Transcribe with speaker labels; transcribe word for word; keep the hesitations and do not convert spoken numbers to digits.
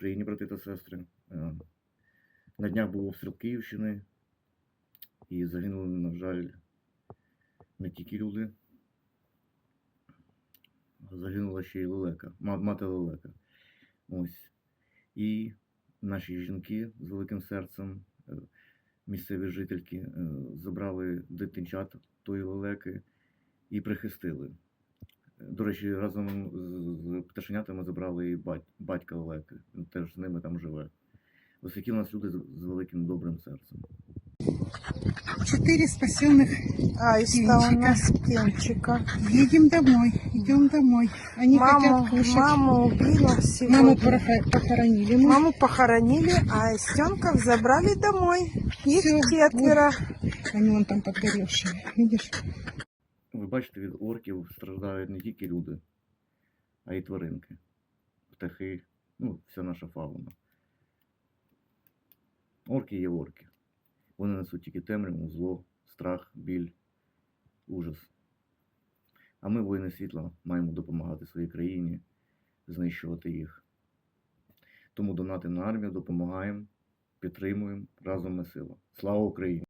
Speaker 1: Україні, брати та сестри. На днях був обстріл Київщини, і загинули, на жаль, не тільки люди, загинула ще й лелека, мати лелека. Ось. І наші жінки з великим серцем, місцеві жительки, забрали дитинчат тої лелеки і прихистили. До речі, разом з пташенятами забрали і батька лелеки, він теж з ними там живе. Ось які у нас люди з великим добрим серцем.
Speaker 2: Четыре спасенных
Speaker 3: Аиста у нас птенчика.
Speaker 2: Едем домой, идем домой. Они
Speaker 3: Маму,
Speaker 2: хотят кушать.
Speaker 3: маму убила сегодня.
Speaker 2: Маму порох- похоронили мы.
Speaker 3: Маму похоронили, а Аистенков забрали домой. Их
Speaker 2: Всё.
Speaker 3: четверо.
Speaker 2: Они вон там подгоревшие, видишь?
Speaker 1: Ви бачите, від орків страждають не тільки люди, а й тваринки, птахи, ну, вся наша фауна. Орки є орки. Вони несуть тільки темряву, зло, страх, біль, ужас. А ми, воїни світла, маємо допомагати своїй країні, знищувати їх. Тому донатимо на армію, допомагаємо, підтримуємо, разом ми сила. Слава Україні!